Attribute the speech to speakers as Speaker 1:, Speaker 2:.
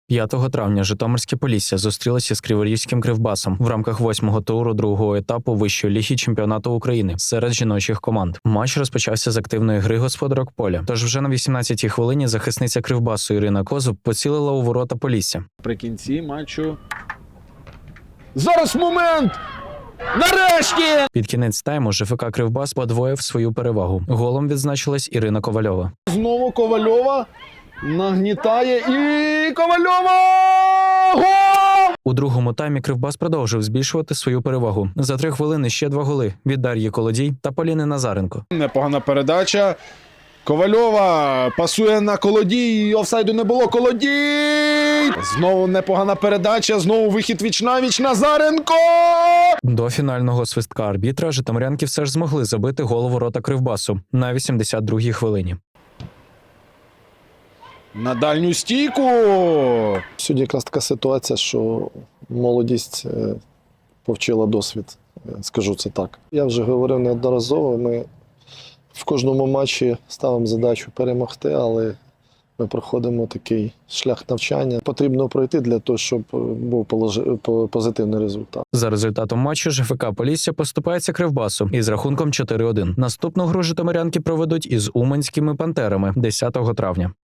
Speaker 1: 5 травня Житомирське Полісся зустрілося з Криворізьким Кривбасом в рамках 8-го туру другого етапу Вищої ліги чемпіонату України серед жіночих команд. Матч розпочався з активної гри господарок поля. Тож вже на 18-й хвилині захисниця Кривбасу Ірина Козуб поцілила у ворота Полісся.
Speaker 2: При кінці матчу. Зараз момент! Нарешті!
Speaker 1: Під кінець тайму ЖФК Кривбас подвоїв свою перевагу. Голом відзначилась Ірина Ковальова.
Speaker 2: Знову Ковальова нагнітає і Ковальова! Гол!
Speaker 1: У другому таймі Кривбас продовжив збільшувати свою перевагу. За 3 хвилини ще 2 голи від Дар'ї Колодій та Поліни Назаренко.
Speaker 2: Непогана передача. Ковальова пасує на Колодій. Офсайду не було. Колодій! Знову непогана передача. Знову вихід віч-навіч. Назаренко!
Speaker 1: До фінального свистка арбітра житомирянки все ж змогли забити гол у ворота Кривбасу на 82-й хвилині.
Speaker 2: На дальню стійку!
Speaker 3: Сьогодні якраз така ситуація, що молодість повчила досвід, скажу це так. Я вже говорив неодноразово, ми в кожному матчі ставимо задачу перемогти, але ми проходимо такий шлях навчання. Потрібно пройти для того, щоб був позитивний результат.
Speaker 1: За результатом матчу ЖФК Полісся поступається Кривбасу із рахунком 4-1. Наступну гру житомирянки проведуть із уманськими пантерами 10 травня.